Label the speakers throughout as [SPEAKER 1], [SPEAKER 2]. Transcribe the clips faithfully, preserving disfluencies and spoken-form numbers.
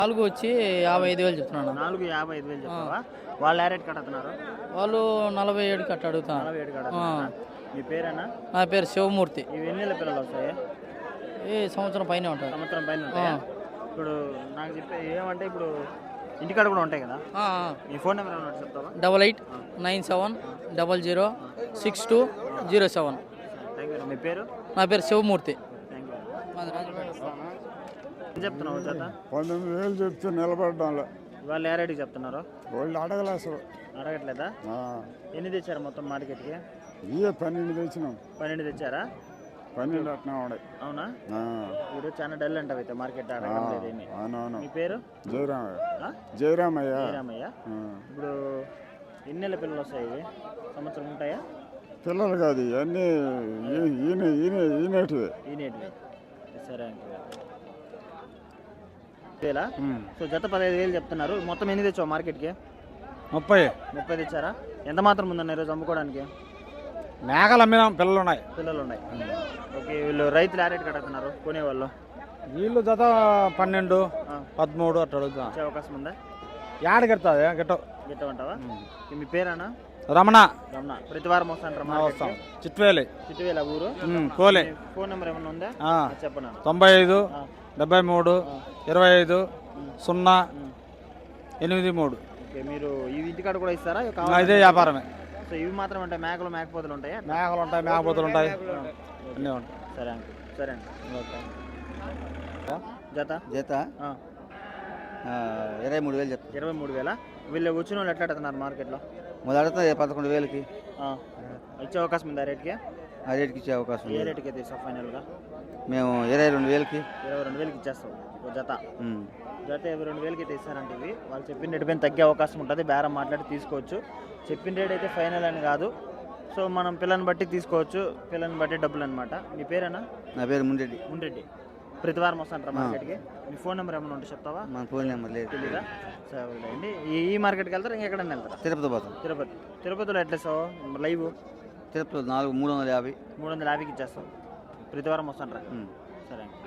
[SPEAKER 1] నాలుగు వచ్చి యాభై ఐదు వేలు చెప్తున్నాను.
[SPEAKER 2] నాలుగు యాభై ఐదు వేలు చెప్తావా? వాళ్ళు ఏ రేట్ కడుతున్నారు?
[SPEAKER 1] వాళ్ళు నలభై ఏడు కట్ట అడుగుతాను.
[SPEAKER 2] నలభై ఏడు కడుతున్నారా? మీ పేరేనా?
[SPEAKER 1] నా పేరు శివమూర్తి.
[SPEAKER 2] ఇవి ఎన్ని నెలల పిల్లలు వస్తాయి?
[SPEAKER 1] ఈ సంవత్సరం పైన ఉంటాయి.
[SPEAKER 2] సంవత్సరం పైన ఉంటాయా? ఇప్పుడు నాకు చెప్పే ఏమంటే ఇప్పుడు ఇంటికాడ కూడా ఉంటాయి కదా, ఈ ఫోన్ నెంబర్ ఏమన్నా చెప్తావా?
[SPEAKER 1] Double eight nine seven double zero six two zero seven.
[SPEAKER 2] Thank you. మీ పేరు?
[SPEAKER 1] నా పేరు శివమూర్తి.
[SPEAKER 2] Thank you. ఏం చెప్తున్నావు చేత?
[SPEAKER 3] పంతొమ్మిది వేలు చెప్తే నిలబడ్డాను.
[SPEAKER 2] వాళ్ళు ఏ రేటుకి చెప్తున్నారు?
[SPEAKER 3] వాళ్ళు అడగలే అసలు.
[SPEAKER 2] అడగట్లేదా? ఎన్ని తెచ్చారు మొత్తం మార్కెట్కి?
[SPEAKER 3] ఇవే పన్నెండు తెచ్చినాం.
[SPEAKER 2] పన్నెండు తెచ్చారా?
[SPEAKER 3] పన్నెండు అట్లా ఉన్నాయి.
[SPEAKER 2] అవునా? ఇప్పుడు చాలా డల్ అంటావు అయితే మార్కెట్ అడగడం లేదు ఏమి.
[SPEAKER 3] అవునవును.
[SPEAKER 2] మీ పేరు?
[SPEAKER 3] జయరామయ్య. జయరామయ్య.
[SPEAKER 2] జయరామయ్య. ఇప్పుడు ఎన్ని నెలల పిల్లలు వస్తాయి? ఇవి సంవత్సరం ఉంటాయా?
[SPEAKER 3] పిల్లలు కాదు ఇవన్నీ ఈయన ఈయన ఈనేటివి.
[SPEAKER 2] ఈనేటివి. సరే అండి. వేలా? సో జత పదహైదు వేలు చెప్తున్నారు. మొత్తం ఎన్ని తెచ్చావు మార్కెట్కి?
[SPEAKER 4] ముప్పై.
[SPEAKER 2] ముప్పై తెచ్చారా? ఎంత మాత్రం ఉందన్న ఈరోజు అమ్ముకోవడానికి?
[SPEAKER 4] మేకలు అమ్మినాం, పిల్లలు ఉన్నాయి.
[SPEAKER 2] పిల్లలు ఉన్నాయి. ఓకే. వీళ్ళు రైతులు ఏ రేట్ కడుతున్నారు కొనేవాళ్ళు?
[SPEAKER 4] వీళ్ళు జత పన్నెండు పదమూడు అట్లా అడుగుతా.
[SPEAKER 2] వచ్చే అవకాశం ఉందా?
[SPEAKER 4] యాడ గిడతాది గిట్ట
[SPEAKER 2] గిట్టమంటావా? మీ పేరేనా?
[SPEAKER 4] రమణ.
[SPEAKER 2] రమణ. ప్రతి వారం వస్తాంటారా?
[SPEAKER 4] వస్తాం. చిట్వేలి.
[SPEAKER 2] చిట్టువేల ఊరు.
[SPEAKER 4] కోలే.
[SPEAKER 2] ఫోన్ నెంబర్ ఏమన్నా ఉందా? చెప్పండి.
[SPEAKER 4] తొంభై ఐదు డెబ్బై మూడు ఇరవై ఐదు సున్నా ఎనిమిది మూడు.
[SPEAKER 2] ఓకే. మీరు ఈ ఇంటికాడ కూడా ఇస్తారా?
[SPEAKER 4] ఇదే వ్యాపారమే.
[SPEAKER 2] సో ఇవి మాత్రం ఉంటాయి? మేకలు మేకపోతులు ఉంటాయా?
[SPEAKER 4] మేకలు ఉంటాయి, మేకపోతులు ఉంటాయి, అన్నీ ఉంటాయి.
[SPEAKER 2] సరే అండి. సరే అండి. జత
[SPEAKER 5] జత ఇరవై మూడు వేలు చెప్తాను.
[SPEAKER 2] ఇరవై మూడు వేల. వీళ్ళు వచ్చిన వాళ్ళు ఎట్లా అడుగుతున్నారు మార్కెట్లో?
[SPEAKER 5] మొదట పదకొండు వేలకి
[SPEAKER 2] ఇచ్చే అవకాశం ఉంది ఆ రేట్కి?
[SPEAKER 5] ఆ రేట్కి ఇచ్చే అవకాశం.
[SPEAKER 2] ఏ రేట్కి అయితే ఇస్తాం ఫైనల్గా?
[SPEAKER 5] మేము ఇరవై రెండు వేలకి
[SPEAKER 2] ఇరవై రెండు వేలకి ఇచ్చేస్తాం జత. జత ఇరవై రెండు వేలకి అయితే ఇస్తారంటే ఇవి వాళ్ళు చెప్పిన రేటు పైన తగ్గే అవకాశం ఉంటుంది. బేరం మాట్లాడి తీసుకోవచ్చు. చెప్పిన రేట్ అయితే ఫైనల్ అని కాదు. సో మనం పిల్లని బట్టి తీసుకోవచ్చు, పిల్లని బట్టి డబ్బులు అనమాట. మీ పేరేనా?
[SPEAKER 5] నా పేరు ముండెడ్డి.
[SPEAKER 2] ముండెడ్డి. ప్రతి వారం వస్తాంటారా మార్కెట్కి? మీ ఫోన్ నెంబర్ ఏమైనా ఉంటే చెప్తావా?
[SPEAKER 5] మన ఫోన్ నెంబర్ లేదు.
[SPEAKER 2] తెలీదా? సరే అండి. ఈ మార్కెట్కి వెళ్తారా ఇంకెక్కడైనా వెళ్తారా?
[SPEAKER 5] తిరుపతి పోతాం.
[SPEAKER 2] తిరుపతి. తిరుపతిలో ఎట్లా ఇస్తావు లైవ్?
[SPEAKER 5] తిరుపతిలో నాలుగు మూడు వందల యాభై
[SPEAKER 2] మూడు వందల యాభైకి ఇచ్చేస్తాం. ప్రతి వారం వస్తాంటారా? సరే అండి.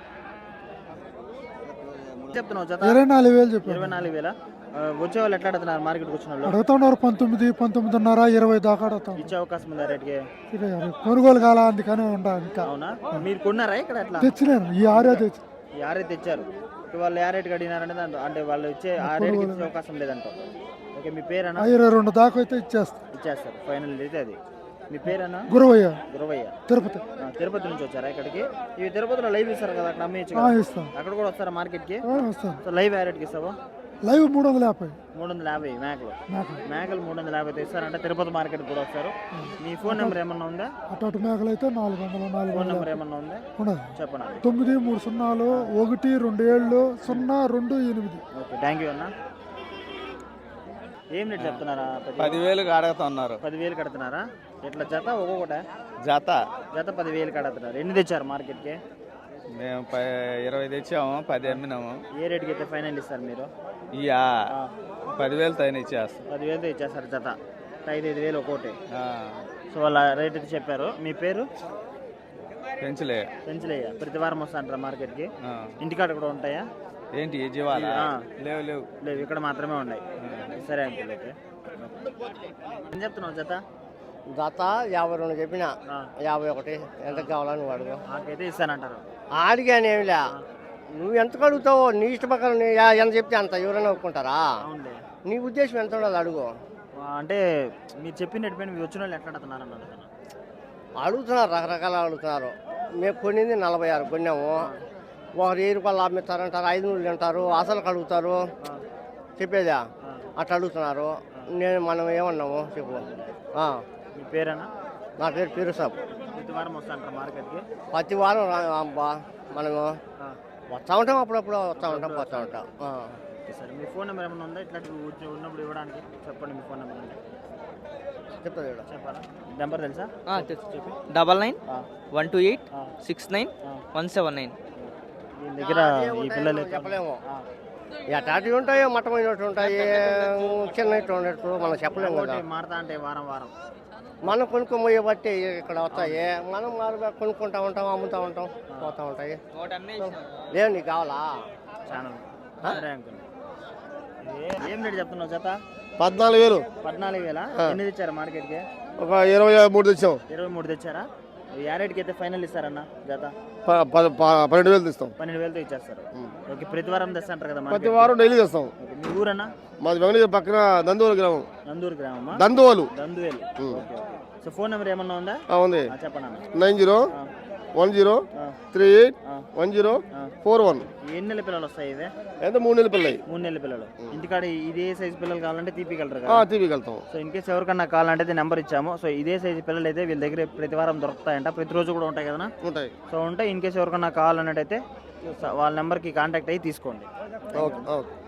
[SPEAKER 2] చెప్తున్నావు జత?
[SPEAKER 6] ఇరవై నాలుగు వేలు చెప్పి.
[SPEAKER 2] ఇరవై నాలుగు వేల. వచ్చే వాళ్ళు ఎట్లా అడుగుతున్నారు మార్కెట్కి వచ్చిన వాళ్ళు?
[SPEAKER 6] అడుగుతున్నారు పంతొమ్మిది పంతొమ్మిదిన్నర ఇరవై దాకా అడుగుతాం.
[SPEAKER 2] ఇచ్చే అవకాశం ఉందా రేట్కి?
[SPEAKER 6] కొనుగోలు కాల అందుకనే ఉండాలి. ఇంకా
[SPEAKER 2] అవునా? మీరు కొన్నారా ఇక్కడ? ఎట్లా
[SPEAKER 6] తెచ్చినారు? ఈ ఆరే తెచ్చి
[SPEAKER 2] ఈ ఆరే తెచ్చారు. వాళ్ళు ఏ రేట్కి అడిగినారంటే దాంట్లో అంటే వాళ్ళు ఇచ్చే ఆ రేట్కి ఇచ్చే అవకాశం లేదంట. ఓకే. మీ పేరేనా?
[SPEAKER 6] ఇరవై రెండు దాకా అయితే ఇచ్చేస్తారు.
[SPEAKER 2] ఇచ్చేస్తారు ఫైనల్ అయితే అది. మీ పేరేనా?
[SPEAKER 6] గురవయ్య.
[SPEAKER 2] గురవయ్య.
[SPEAKER 6] తిరుపతి.
[SPEAKER 2] తిరుపతి నుంచి వచ్చారా ఇక్కడికి? ఇవి తిరుపతిలో లైవ్ ఇస్తారు కదా, అక్కడ అమ్మేయచ్చు.
[SPEAKER 6] ఇస్తాం.
[SPEAKER 2] అక్కడ కూడా వస్తారా మార్కెట్కి?
[SPEAKER 6] వస్తాం.
[SPEAKER 2] సో లైవ్ ఏ రేట్కి ఇస్తావా?
[SPEAKER 6] లైవ్ మూడు వందల యాభై.
[SPEAKER 2] మూడు వందల యాభై మేకలు. మేకలు మూడు వందల యాభై తెస్తారంటే తిరుపతి మార్కెట్ కూడా వస్తారు. మీ ఫోన్ నెంబర్ ఏమన్నా ఉందా?
[SPEAKER 6] అటు మేకలు అయితే నాలుగు వందల నాలుగు
[SPEAKER 2] ఫోన్ నెంబర్ ఏమన్నా ఉందా? చెప్పండి.
[SPEAKER 6] తొమ్మిది మూడు సున్నాలు ఒకటి రెండు ఏళ్ళు సున్నా రెండు ఎనిమిది.
[SPEAKER 2] ఓకే. థ్యాంక్ యూ అన్న. ఏం రేట్ చెప్తున్నారా?
[SPEAKER 4] పదివేలు అడుగుతున్నారు.
[SPEAKER 2] పదివేలు కడుతున్నారా? ఎట్లా జత? ఒక్కొక్కట
[SPEAKER 4] జత
[SPEAKER 2] జత పదివేలు కడుతున్నారు. ఎన్ని తెచ్చారు మార్కెట్కి?
[SPEAKER 4] మేము ఇరవై తెచ్చాము, పది అమ్మినాము.
[SPEAKER 2] ఏ రేట్కి అయితే ఫైనల్ ఇస్తారు మీరు?
[SPEAKER 4] ఇయా పదివేలు తైన ఇచ్చేస్తాం.
[SPEAKER 2] పదివేలతో ఇచ్చేస్తారు జత. ఐదు ఐదు వేలు ఒక్కోటి. సో వాళ్ళ రేట్ అయితే చెప్పారు. మీ పేరు?
[SPEAKER 4] పెంచలే.
[SPEAKER 2] పెంచలేయ. ప్రతి వారం వస్తాంటారా మార్కెట్కి? ఇంటికాడ కూడా ఉంటాయా?
[SPEAKER 4] ఏంటి జీవాలా? లేవు లేవు
[SPEAKER 2] లేవు ఇక్కడ మాత్రమే ఉన్నాయి. సరే అంకుల్. అయితే ఏం చెప్తున్నావు జత?
[SPEAKER 7] జత యాభై రెండు చెప్పిన. యాభై ఒకటి ఎంత కావాలని అడుగు.
[SPEAKER 2] నాకైతే ఇస్తానంటారు.
[SPEAKER 7] అడిగాను ఏమిలే, నువ్వు ఎంత అడుగుతావో నీ ఇష్ట ప్రకారం ఎంత చెప్తే అంత ఎవరైనా ఒప్పుకుంటారా? నీ ఉద్దేశం ఎంత ఉండదు అడుగు.
[SPEAKER 2] అంటే మీరు చెప్పిన పైన మీరు వచ్చిన వాళ్ళు ఎట్లా అడుగుతున్నారు అన్నది
[SPEAKER 7] అడుగుతున్నారు, రకరకాల అడుగుతున్నారు. మేము కొన్నింది నలభై ఆరు కొన్నాము. ఒకరు ఏ రూపాయలు అమ్మిస్తారంటారు, ఐదు నూళ్ళు అంటారు, అసలు అడుగుతారు. చెప్పేదా అట్లా అడుగుతున్నారు. నేను మనం ఏమన్నాము చెప్పు.
[SPEAKER 2] మీ పేరేనా?
[SPEAKER 7] నా పేరు పీరుసాబ్.
[SPEAKER 2] ప్రతి వారం వస్తాంటారు మార్కెట్కి?
[SPEAKER 7] ప్రతి వారం అబ్బా మనము వస్తూ ఉంటాం, అప్పుడప్పుడు వస్తూ ఉంటాం, పోతూ ఉంటాం.
[SPEAKER 2] సరే. మీ ఫోన్ నెంబర్ ఏమైనా ఉందా ఇట్లా ఉన్నప్పుడు ఇవ్వడానికి? చెప్పండి మీ ఫోన్ నెంబర్ అంటే.
[SPEAKER 7] చెప్తాను
[SPEAKER 2] చెప్పాలా? నెంబర్ తెలుసా?
[SPEAKER 1] చెప్పి double nine one two eight six nine one seven nine.
[SPEAKER 2] దీని దగ్గర ఈ పిల్లలు
[SPEAKER 7] చెప్పలేము. ఎటాటి ఉంటాయో మట్టమైనట్టు ఉంటాయి, చిన్న ఉన్నట్టు మనం చెప్పలేము కదా.
[SPEAKER 2] మారుతా అంటే వారం వారం
[SPEAKER 7] మనం కొనుక్కోబోయే బట్టి ఇక్కడ వస్తాయి. మనం మారుగా కొనుక్కుంటా ఉంటాం, అమ్ముతూ ఉంటాం, పోతూ ఉంటాయి. లేవు నీకు కావాలా?
[SPEAKER 2] ఛానల్. సరే అంకుల్. ఏ- ఏం రేట్ చెప్తున్నావు జత?
[SPEAKER 8] పద్నాలుగు వేలు
[SPEAKER 2] పద్నాలుగు వేల ఎన్ని తెచ్చారా మార్కెట్కి?
[SPEAKER 8] ఒక ఇరవై మూడు తెచ్చాం.
[SPEAKER 2] ఇరవై మూడు తెచ్చారా? ఏ రేట్కి అయితే ఫైనల్ ఇస్తారన్న జత?
[SPEAKER 8] ప- ప- ప- పన్నెండు వేలు తెస్తాం.
[SPEAKER 2] పన్నెండు వేలతో ఇచ్చేస్తారు. ఓకే, ప్రతి వారం తెస్తా అంటారు కదా
[SPEAKER 8] ప్రతి
[SPEAKER 2] మార్కెట్కి?
[SPEAKER 8] వారం డైలీ తెస్తాం.
[SPEAKER 2] ఓకే, మీ ఊరన్నా?
[SPEAKER 8] మాది వెంకటగిరి పక్కన దందువలు గ్రామం.
[SPEAKER 2] నందూరు గ్రామమా?
[SPEAKER 8] Danduvalu
[SPEAKER 2] Danduvelu. Okay okay. So phone number ఏమన్నా ఉందా?
[SPEAKER 8] ఆ, ఉంది.
[SPEAKER 2] ఆ, చెప్పండి అన్న.
[SPEAKER 8] నైన్ జీరో
[SPEAKER 2] ఆ,
[SPEAKER 8] వన్ జీరో
[SPEAKER 2] ఆ,
[SPEAKER 8] త్రీ ఎయిట్
[SPEAKER 2] ఆ,
[SPEAKER 8] వన్ జీరో
[SPEAKER 2] ఆ.
[SPEAKER 8] Four one.
[SPEAKER 2] ఎన్ని నెలల పిల్లలు వస్తాయి ఇవే?
[SPEAKER 8] ఎంత మూడు నెలల పిల్లలు.
[SPEAKER 2] మూడు నెలల పిల్లలు. ఇంటికాడ ఇదే సైజు పిల్లలు కావాలంటే తీపిగలరు
[SPEAKER 8] ఆ,
[SPEAKER 2] కదా?
[SPEAKER 8] తీపికెళ్తాం.
[SPEAKER 2] సో ఇన్ కేసు ఎవరికన్నా కావాలంటే నెంబర్ ఇచ్చాము. సో ఇదే సైజు పిల్లలు అయితే వీళ్ళ దగ్గర ప్రతి వారం దొరుకుతాయంట, ప్రతిరోజు కూడా ఉంటాయి కదా?
[SPEAKER 8] ఉంటాయి.
[SPEAKER 2] సో ఉంటే ఇన్ కేసు ఎవరికన్నా కావాలన్నట్టయితే వాళ్ళ నెంబర్కి కాంటాక్ట్ అయ్యి తీసుకోండి.
[SPEAKER 8] Okay okay.